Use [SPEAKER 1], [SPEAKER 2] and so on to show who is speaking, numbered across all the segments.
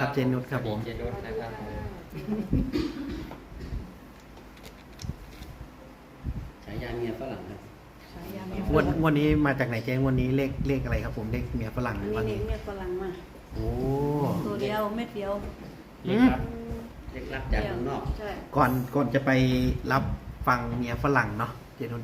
[SPEAKER 1] ครับเจนุชครับผม
[SPEAKER 2] เจนุชนะครับผม
[SPEAKER 3] ฉายาเมียฝรั่งครับ
[SPEAKER 4] ฉายาเมียฝ
[SPEAKER 1] งวด
[SPEAKER 4] รั่ง
[SPEAKER 1] งวดนี้มาจากไหนเจ๊งวดนี้เลขอะไรครับผมเลขเมียฝรั่งห
[SPEAKER 4] อัน
[SPEAKER 1] รือ
[SPEAKER 4] นี้
[SPEAKER 1] ว่าไง
[SPEAKER 4] เด็กเมียฝรั่งมา
[SPEAKER 1] โอ้
[SPEAKER 4] ตัวเดียวเม็ดเดียว
[SPEAKER 2] เล็กครับ
[SPEAKER 3] เล็กรับจากข้างนอก
[SPEAKER 4] ใช่
[SPEAKER 1] ก่อนจะไปรับฟังเมียฝรั่งเนาะเจนุช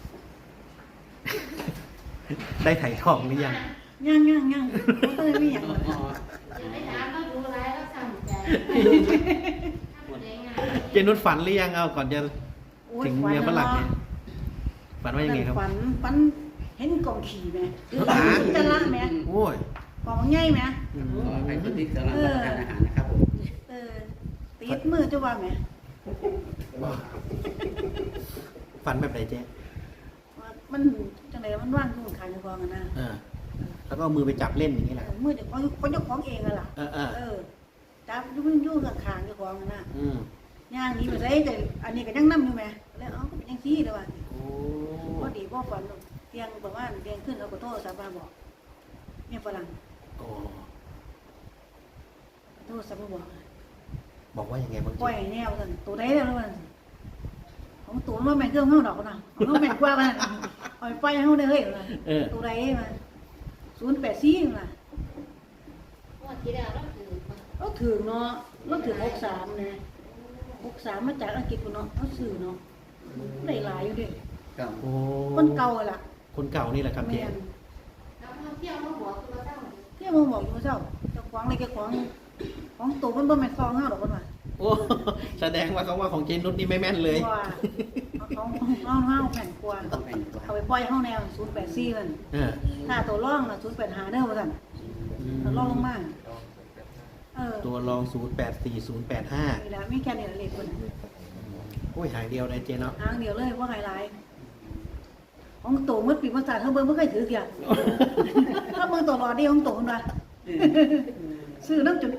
[SPEAKER 1] ได้ไถ่ทองหรือยัง
[SPEAKER 4] ย่างเขาก็เลยไม่อยาก
[SPEAKER 5] จะไม่ถามก็ดูไรแล้วสั่งใจทำได้ไง
[SPEAKER 1] เจนุชฝันหรือยังเอาก่อนจะ
[SPEAKER 4] โอ้ย
[SPEAKER 1] ถึงเมียฝรั่งเนี่ยฝันว่ายังไงครับ
[SPEAKER 4] ฝันเห็นกองขี่ไหมจะละไหม
[SPEAKER 1] โอ้ย
[SPEAKER 4] กองใหญ่ไหม
[SPEAKER 1] อืม
[SPEAKER 3] ขอให้คนที่กำลังรับประทานอาหารนะครับผม
[SPEAKER 4] ติดมือจะว่าไหม
[SPEAKER 1] ฝันแบบไหนเจ๊
[SPEAKER 4] มันจังไรมันว่างอยู่ขายในกองนะ
[SPEAKER 1] แล้วก็เอามือไปจับเล่นอย่างนี้แหละ
[SPEAKER 4] มือเดี๋ยวคนเจ้าของเองอะล่ะจับยุ่งกับขางเจ้าของนะ
[SPEAKER 1] อืม
[SPEAKER 4] ย่างนี้ไปใส่แต่อันนี้ก็ยังนั่อยู่ไหมแล้วก็เป็นยังซี่เลยว่ะ
[SPEAKER 1] โอ้
[SPEAKER 4] พอดีพ่อฝันเตียงประมาณเตียงขึ้นเอากระโต้สาบาบอกเนี่ยฝรั่ง
[SPEAKER 1] โอ้
[SPEAKER 4] กระโต้สาบาบอก
[SPEAKER 1] บอกว่ายังไงบ้าง
[SPEAKER 4] ปล่อยแนวสั่นตัวได้แล้วมันของตัวมันแม่งเครื่องเข้าดอกนะของแม่งกว่ามันปล่อยไปเข้าได้เฮ้ยนะตัวได้มา084นะ
[SPEAKER 5] ว่าที่แล้วเราถือมา
[SPEAKER 4] เราถือเนาะเราถือ63นะ63มาจากอังกฤษเนาะเขาซื้อเนาะได้หลายอยู่ดิ
[SPEAKER 3] ครับ
[SPEAKER 1] โอ้
[SPEAKER 4] คนเก่าล่ะ
[SPEAKER 1] คนเก่านี่แหละครับเจ๊
[SPEAKER 4] แม่น
[SPEAKER 5] แล้วพอเที่ยวมาหัวคือเราเจ้า
[SPEAKER 4] เที่ยมึงบอกเจ้าเจ้าของอะไรแกของตัวมันบ่แม่นซองเฮาดอกมันว่า
[SPEAKER 1] โอ้แสดงว่าเขาว่าของเจนุชนี่ไม่แม่นเลย
[SPEAKER 4] ว่าของเฮาแผ่นกว่า
[SPEAKER 3] ต้องเป็นกว่า
[SPEAKER 4] เอาไปปล่อยเฮาแนว084มัน
[SPEAKER 1] เออ
[SPEAKER 4] ถ้าตัวร่องน่ะ085เด้อว่าซั่น
[SPEAKER 1] อืม
[SPEAKER 4] ตัวร่องลงมา
[SPEAKER 1] ตัวรอง084 085
[SPEAKER 4] นี่ล่ะมีแค่นี้ล่ะเลขเพิ่น
[SPEAKER 1] โอ้ยหางเดียวเลยเจ๊เนาะ
[SPEAKER 4] หางเดียวเลยบ่ไฮไลท์ของโตหมดปีมาศาสตร์เฮาเบิ่งบ่เคยถือเกียถ้าเบิ่งตัวรอดีของโตมันว่าซื้อน้ำจน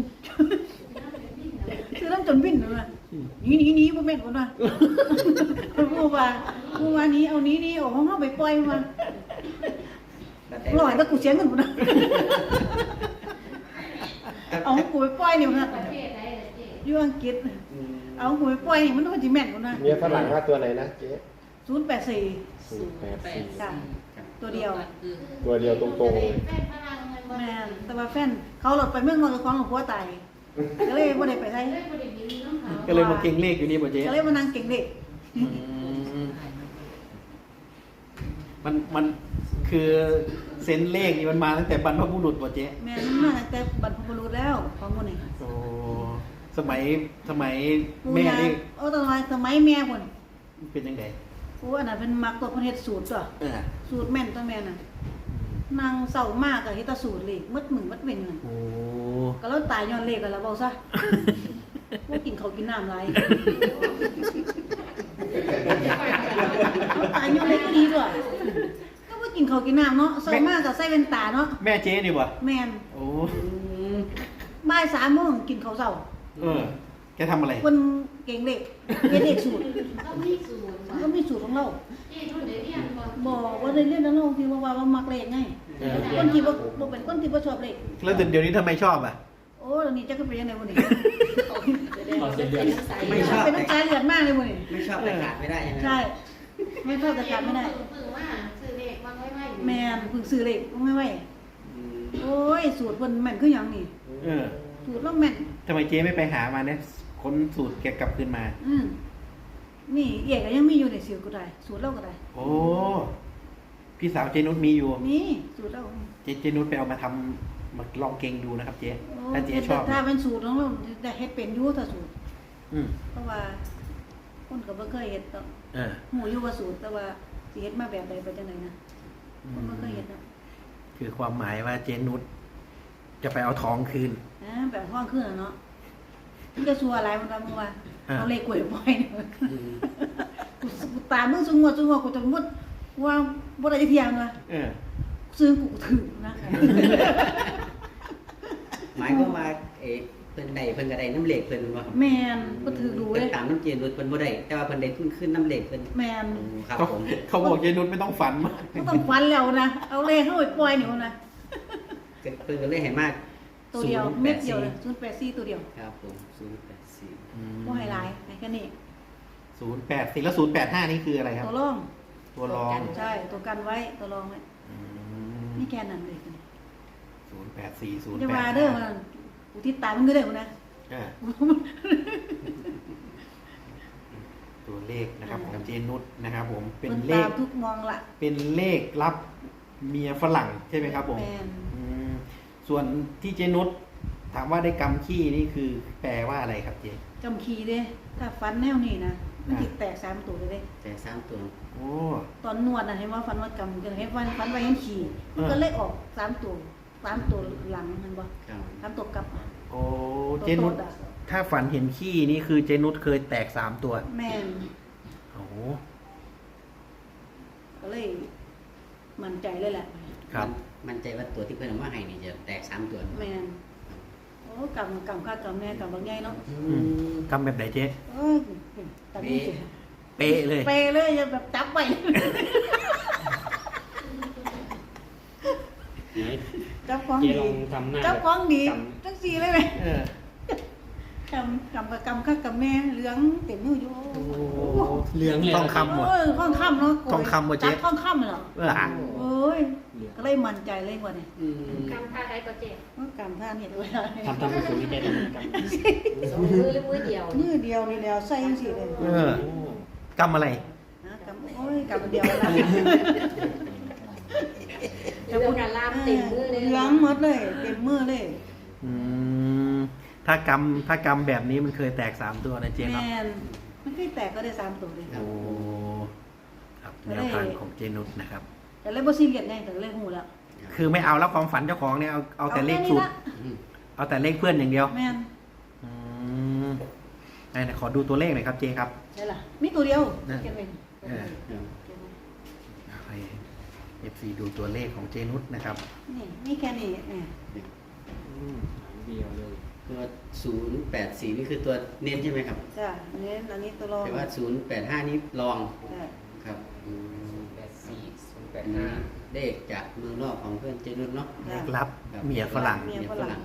[SPEAKER 4] ซื้อน้ำจนวิ่นเลยว่ะหนีบ่แม่นพุ่นว่าผู้ว่านี้เอานี้ออกของเฮาไปปล่อยมาร้อยแล้วกูเสียเงินพุ่นน่ะเอาของกูไปปล่อยนี่พุ่นน่ะ
[SPEAKER 5] ประเทศไหนล่ะเจ๊
[SPEAKER 4] อยู่อังกฤษเอาของกูไปปล่อยนี่มันต้องสิแม่นพุ่นน่ะ
[SPEAKER 6] เมียฝรั่งว่าตัวไหนนะเจ๊
[SPEAKER 4] 084
[SPEAKER 6] 084
[SPEAKER 4] จ้ะตัวเดียว
[SPEAKER 6] ตัวเดียวตรงๆเลย
[SPEAKER 5] แฟนพลังเงินบ่
[SPEAKER 4] แม่
[SPEAKER 5] ได้
[SPEAKER 4] นแต่ว่าแฟนเขาหลดไปเมืองนอกกับของหลวงพ่อตายก็เลยบ่ได้ไปไส
[SPEAKER 5] เลยบ่ได้มีน้ำเขา
[SPEAKER 1] ก็เลยมาเก่งเลขอยู่นี่ป่ะเจ๊
[SPEAKER 4] ก็เลยมานั่งเก่งเด็ก
[SPEAKER 1] อืมมันคือเซนเลขนี่มันมาตั้งแต่บรรพบุรุษป่ะเจ๊
[SPEAKER 4] แม่นมาตั้งแต่บรรพบุรุษแล้วของมื้อนี้
[SPEAKER 1] โอ้สมัยแม่นี่
[SPEAKER 4] โอ้ตอนสมัยแม่พุ่น
[SPEAKER 1] เป็นยังไง
[SPEAKER 4] โอ้อันนั้นเป็นมักตัวเพิ่นเฮ็ดสูตรตัว
[SPEAKER 1] เออ
[SPEAKER 4] สูตรแม่นตัวแม่น่ะนางเศร้ามากก็เฮ็ดแต่สูตรเลขมืดมึงมืดเว้นนั่น
[SPEAKER 1] โอ้
[SPEAKER 4] ก็แล้วตายย้อนเลขกันแล้วเว้าซะบ่กินข้าวกินน้ำหลายเขาตายย้อนเลขก็ดีด้วยก็บ่กินข้าวกินน้ำเนาะเศร้ามากก็ใส่แว่นตาเนาะ
[SPEAKER 1] แม่เจ๊นี่ป่ะ
[SPEAKER 4] แม่น
[SPEAKER 1] โอ้
[SPEAKER 4] บ่าย3โมงกินข้าวเช้า
[SPEAKER 1] เออแกทำอะไร
[SPEAKER 4] เพิ่นเก่งเลขเฮ็ดเลขสูตร
[SPEAKER 5] ต้องมีสูตร
[SPEAKER 4] ก็มีสูตรของเรา
[SPEAKER 5] เจ๊รุ่นเดี๋ยวเรียนบ่
[SPEAKER 4] บอกว่าได้เรียนแล้วเราที่ว่ามักเลขไง
[SPEAKER 1] เออ
[SPEAKER 4] คนที่บ่เป็นคนที่บ่ชอบเลข
[SPEAKER 1] แล้วเดี๋ยวนี้ทำไมชอบอ่ะ
[SPEAKER 4] โอ้เดี๋ยวนี้จักเป็นยังไงบ่นี่
[SPEAKER 2] ขอเสียเดือน
[SPEAKER 3] ไม่ชอบ
[SPEAKER 4] เป็นน้ำตาเลือดมากเลยบ่นี่
[SPEAKER 3] ไม่ชอบแต่ขาดไม่ได้ใช่ไหม
[SPEAKER 4] ใช่ไม่ชอบแต่การไม่ได้
[SPEAKER 5] เพิ่งว่าซื้อเลขวางไว้ไว้
[SPEAKER 4] แม่นเพิ่งซื้อเลขไม่ไหว
[SPEAKER 3] อืม
[SPEAKER 4] โอ้ยสูตรเพิ่นแม่นคือหยังนี่
[SPEAKER 1] เออ
[SPEAKER 4] สูตรเราแม่น
[SPEAKER 1] ทำไมเจ๊ไม่ไปหามาเนี่ยค้นสูตรแกกลับคืนมา
[SPEAKER 4] นี่เอกก็ยังมีอยู่ในสูตรก็ได้สูตรเราก็ได้
[SPEAKER 1] โอ้พี่สาวเจนุชมีอยู่
[SPEAKER 4] นี่สูตรเรา
[SPEAKER 1] เจนุชไปเอามาทำมาลองเก่งดูนะครับเจ๊ถ้าเจ๊ชอบ
[SPEAKER 4] ถ้าเป็นสูตรของเราได้เฮ็ดเป็นอยู่ถ้าสูตร
[SPEAKER 1] อืม
[SPEAKER 4] เพราะว่าคนก็บ่เคยเฮ็ดดอก
[SPEAKER 1] เออ
[SPEAKER 4] หูอยู่ว่าสูตรแต่ว่าสิเฮ็ดมาแบบใดไปจังไดนะคนบ่เคยเฮ็ดนะ
[SPEAKER 1] คือความหมายว่าเจนุชจะไปเอาทองคืน
[SPEAKER 4] แบบห้องขึ้นอ่ะเนาะมันจะชัวอะไรมันทำมึงว่าเอาเลขกล้วยปล่อยเนี่ยกูตามมึงสุงวกูจะมุดว่าบ่ได้เที่ยงว่ะ
[SPEAKER 1] เออ
[SPEAKER 4] ซื้อกูถือนะ
[SPEAKER 3] หมายความว่าเพิ่นใดเพิ่นก็ได้น้ำเหล็กเพิ่นบ่
[SPEAKER 4] แม่นบ่ถือดู
[SPEAKER 3] เพิ่
[SPEAKER 4] เล
[SPEAKER 3] น
[SPEAKER 4] ย
[SPEAKER 3] ตามน้ำเจนรถเพิ่นบ่ได้แต่ว่าเพิ่นได้ทุนขึ้นน้ำเหล็กเพิ่น
[SPEAKER 4] แม่น
[SPEAKER 3] ครับ
[SPEAKER 1] เขา
[SPEAKER 3] ผม
[SPEAKER 1] เขาบอกเจนุชไม่ต้องฝันมาก
[SPEAKER 4] ก็ต้องฟันแล้วนะเอาเลขเข้าไปปล่อยนี่นะ
[SPEAKER 3] เพิ่นก็เลยให้มาก
[SPEAKER 4] ตัวเดียวเม็ดเดียวเลย084ตัวเดียว
[SPEAKER 3] ครับผม084
[SPEAKER 4] บ่ให้หลายให้แค่นี้
[SPEAKER 1] 084แล้ว085นี่คืออะไรครับ
[SPEAKER 4] ตัวรอง
[SPEAKER 1] ตัวรอง
[SPEAKER 4] ใช่ตัวกันไว้ตัวรองไว้
[SPEAKER 1] อืม
[SPEAKER 4] นี่แค่นั้นเลย
[SPEAKER 1] 084
[SPEAKER 4] จะมาเด้อมันอุทิศตายมันก็ได้พุ่นนะ
[SPEAKER 1] อ่าตัวเลขนะครับของเจนุชนะครับผมเป็น
[SPEAKER 4] เพิ่น
[SPEAKER 1] เล
[SPEAKER 4] ตา
[SPEAKER 1] ข
[SPEAKER 4] มทุกมองละ
[SPEAKER 1] เป็นเลขรับเมียฝรั่งใช่ไหมครับผม
[SPEAKER 4] แม่น
[SPEAKER 1] อืมส่วนที่เจนุชถามว่าได้กำขี้นี่คือแปลว่าอะไรครับเจ
[SPEAKER 4] จำคีเด้ถ้าฟันแนวนี้นะมันสิแตก3ตัวเลยเด้
[SPEAKER 3] แต่3ตัว
[SPEAKER 1] โอ้
[SPEAKER 4] ตอนนวดน่ะเห็นว่าฟันว่ากำจะเห็นฟันไว้เห็นขี่มันก็เลยออก3ตัว3ตัวหลังมันบ่
[SPEAKER 3] ครับ
[SPEAKER 4] 3ตัวกลับ
[SPEAKER 1] โอ้
[SPEAKER 4] ตัว
[SPEAKER 1] เจนุช
[SPEAKER 4] โตดอะ
[SPEAKER 1] ถ้าฝันเห็นขี้นี่คือเจนุชเคยแตก3ตัว
[SPEAKER 4] แม่น
[SPEAKER 1] โอ้
[SPEAKER 4] ก็เลยมั่นใจเลยแหละ
[SPEAKER 1] ครับ
[SPEAKER 3] มั่นใจว่าตัวที่เพิ่นเอามาให้นี่จะแตก3ตัว
[SPEAKER 4] แม่นโอ้กำค่ากำแม่กำบางใหญ่เนาะ
[SPEAKER 1] กำแบบไหนเจ๊
[SPEAKER 4] เอ้ยตอนนี้สิ
[SPEAKER 1] เป๊ะเลย
[SPEAKER 4] เปเลยอย่าแบบจับไว้
[SPEAKER 2] ไหน
[SPEAKER 4] จับของ
[SPEAKER 2] เจ๊
[SPEAKER 4] ดี
[SPEAKER 2] ลองทำหน้า
[SPEAKER 4] จับของดี
[SPEAKER 2] ก
[SPEAKER 4] จังสีเลยไหม
[SPEAKER 1] เออก
[SPEAKER 4] ำข้ากำแม่เหลืองเต็มมืออยู่
[SPEAKER 1] โอ้เหลืองทองคำหมด
[SPEAKER 4] เออทองคำเนาะ
[SPEAKER 1] ทองคำหมดเจ๊
[SPEAKER 4] จับทองคำเหรอ
[SPEAKER 1] หลัง
[SPEAKER 4] โอ้ยก็เลยมั่นใจเลยว่าเนี่ย
[SPEAKER 5] กำท่าใครก็เจ็บ
[SPEAKER 4] กำท่านี่ด้วย
[SPEAKER 2] ทำสูงนี่เจ๊ทำกัน
[SPEAKER 5] สองมือหรือมือเดียว
[SPEAKER 4] มือเดียวนี่แล้วใส่จังสีเลย
[SPEAKER 1] เออ กำอะไร
[SPEAKER 4] นะกำโอ้ยกำเดียวนะ
[SPEAKER 5] จะพูดการลามเต็มมือเลย
[SPEAKER 4] เหลืองหมดเลยเต็มมือเลย
[SPEAKER 1] อืมถ้ากำแบบนี้มันเคยแตก3ตัวนะเจ๊เนาะ
[SPEAKER 4] แม่นมันเคยแตกก็ได้3ตัวเลย
[SPEAKER 1] โอ้ครับแนวทางของเจนุชนะครับ
[SPEAKER 4] แต่เลยบ่ซีเรียสไงแต่เลยหูแล้ว
[SPEAKER 1] คือไม่เอาแล้วความฝันเจ้าของเนี่ยเอาแต่เลขสูตร เอาแต่เลขเพื่อนอย่างเดียว
[SPEAKER 4] แม่น
[SPEAKER 1] อืมไหนขอดูตัวเลขหน่อยครับเจครับ
[SPEAKER 4] ใช่ล่ะมีตัวเดียว
[SPEAKER 1] นั่น
[SPEAKER 4] เก็บไว้
[SPEAKER 1] เออ ให้ FC ดูตัวเลขของเจนุชนะครับ
[SPEAKER 4] นี่มีแค่นี้นี่
[SPEAKER 2] เดียวเลย
[SPEAKER 3] ตัว084นี่คือตัวเน้นใช่ไหมครับ
[SPEAKER 4] จ้ะอันนี้ตัวรอง
[SPEAKER 3] แต่ว่า085นี่รอง
[SPEAKER 4] จ้ะ
[SPEAKER 3] ครับ
[SPEAKER 2] 84
[SPEAKER 3] อันนี้เลขจากเมืองนอกของเพื่อนเจนุชเนาะ
[SPEAKER 1] เลขลับเมียฝรั่ง
[SPEAKER 3] เมียฝรั่ง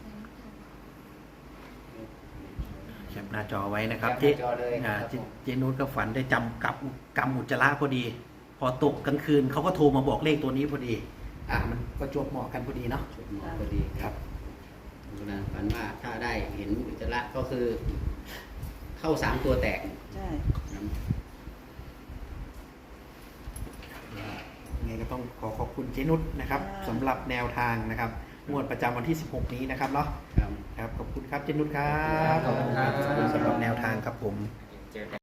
[SPEAKER 1] แคปหน้าจอไว้นะครับ
[SPEAKER 2] แคปหน้าจอเลยครับ
[SPEAKER 1] เจนุชก็ฝันได้จำกับกำอุจจาระพอดี พอตกกลางคืนเขาก็โทรมาบอกเลขตัวนี้พอดี มันก็จวบเหมาะกันพอดีเนาะ
[SPEAKER 3] จุดหมอพอดีครับเวลาฝันว่าถ้าได้เห็นอุจจาระก็คือ เข้า3ตัวแตก
[SPEAKER 4] ใช่
[SPEAKER 1] ยังไงก็ต้องขอบคุณเจนุชนะครับสำหรับแนวทางนะครับงวดประจำวันที่ 16 นี้นะครับเนาะ
[SPEAKER 3] ครับ
[SPEAKER 1] ครับขอบคุณครับเจนุชครับ
[SPEAKER 2] ขอบคุณครับ
[SPEAKER 1] ขอบคุณสำหรับแนวทางครับผม
[SPEAKER 2] เจอกัน